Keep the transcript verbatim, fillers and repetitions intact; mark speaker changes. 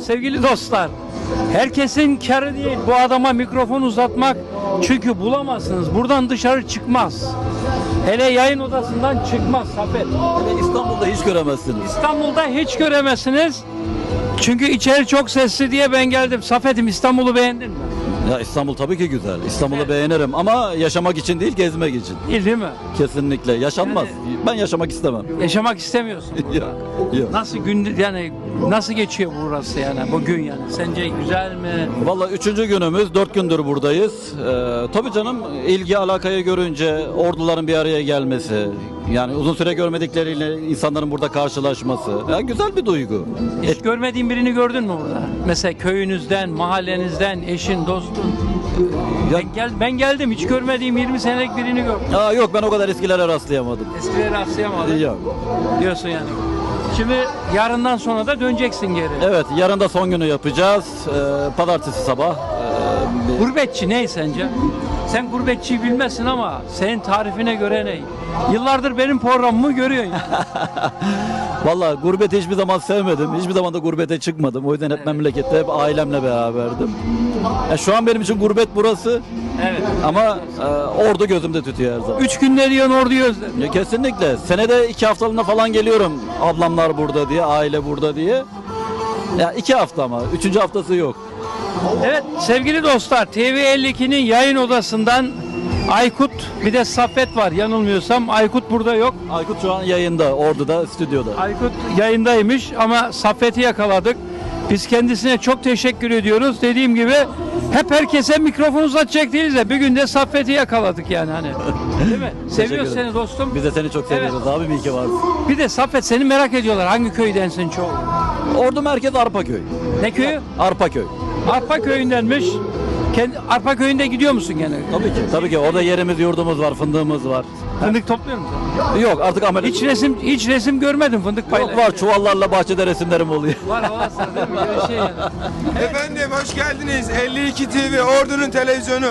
Speaker 1: sevgili dostlar. Herkesin kârı değil bu adama mikrofon uzatmak. Çünkü bulamazsınız. Buradan dışarı çıkmaz. Hele yayın odasından çıkmaz Safet.
Speaker 2: Hele İstanbul'da hiç göremezsiniz.
Speaker 1: İstanbul'da hiç göremezsiniz. Çünkü içeri çok sesli diye ben geldim. Safet'im, İstanbul'u beğendin mi?
Speaker 2: Ya İstanbul tabii ki güzel. İstanbul'u
Speaker 1: Evet.
Speaker 2: beğenirim ama yaşamak için değil, gezmek için.
Speaker 1: Değil değil mi?
Speaker 2: Kesinlikle yaşanmaz. Ben yaşamak istemem.
Speaker 1: Yaşamak istemiyorsun.
Speaker 2: Yok, yok.
Speaker 1: Nasıl gün yani nasıl geçiyor burası yani bugün yani? Sence güzel mi?
Speaker 2: Vallahi üçüncü günümüz, dört gündür buradayız. Ee, tabii canım, ilgi alakayı görünce orduların bir araya gelmesi, yani uzun süre görmedikleriyle insanların burada karşılaşması, ya güzel bir duygu.
Speaker 1: Hiç görmediğin birini gördün mü burada? Mesela köyünüzden, mahallenizden, eşin, dostun.
Speaker 2: Ya-
Speaker 1: Ben, gel, ben geldim hiç görmediğim yirmi senelik birini gördüm.
Speaker 2: Aa, yok, ben o kadar eskilere rastlayamadım.
Speaker 1: Eskileri rastlayamadım
Speaker 2: Yok.
Speaker 1: diyorsun yani. Şimdi yarından sonra da döneceksin geri.
Speaker 2: Evet, yarın da son günü yapacağız. Ee, pazartesi sabah. Ee,
Speaker 1: Gurbetçi ne sence? Sen gurbetçiyi bilmezsin ama senin tarifine göre ne? Yıllardır benim programımı görüyorsun. Yani.
Speaker 2: Vallahi gurbeti hiçbir zaman sevmedim. Hiçbir zaman da gurbete çıkmadım. O yüzden hep memlekette, hep ailemle beraberdim. Ya şu an benim için gurbet burası.
Speaker 1: Evet.
Speaker 2: Ama e, ordu gözümde tutuyor her zaman.
Speaker 1: Üç günde diyorsun orduyu özledim.
Speaker 2: Ya kesinlikle. Senede iki haftalığına falan geliyorum. Ablamlar burada diye, aile burada diye. Ya iki hafta ama. Üçüncü haftası yok.
Speaker 1: Evet sevgili dostlar T V elli ikinin yayın odasından Aykut bir de Saffet var yanılmıyorsam. Aykut burada yok.
Speaker 2: Aykut şu an yayında, orduda, stüdyoda.
Speaker 1: Aykut yayındaymış ama Saffet'i yakaladık. Biz kendisine çok teşekkür ediyoruz. Dediğim gibi hep herkese mikrofon uzatacak değiliz de bir gün de Saffet'i yakaladık yani hani. Değil mi? Seviyoruz
Speaker 2: ederim.
Speaker 1: seni dostum.
Speaker 2: Biz de seni çok seviyoruz abi, iyi ki varsın.
Speaker 1: Bir de Saffet seni merak ediyorlar. Hangi köydensin çoğu?
Speaker 2: Ordu merkez Arpaköy.
Speaker 1: Ne köyü?
Speaker 2: Arpaköy.
Speaker 1: Arpa köyündenmiş. Kendi, Arpa köyünde gidiyor musun gene?
Speaker 2: Tabii ki. Tabii ki. Orada yerimiz, yurdumuz var, fındığımız var.
Speaker 1: Fındık topluyor musun?
Speaker 2: Yok, artık ameliyat.
Speaker 1: Hiç resim hiç resim görmedim fındık
Speaker 2: Yok,
Speaker 1: paylaşıyor.
Speaker 2: var, çuvallarla bahçede resimlerim oluyor.
Speaker 1: Var var değil mi? Öyle şey yani.
Speaker 3: Efendim hoş geldiniz. elli iki T V Ordu'nun televizyonu.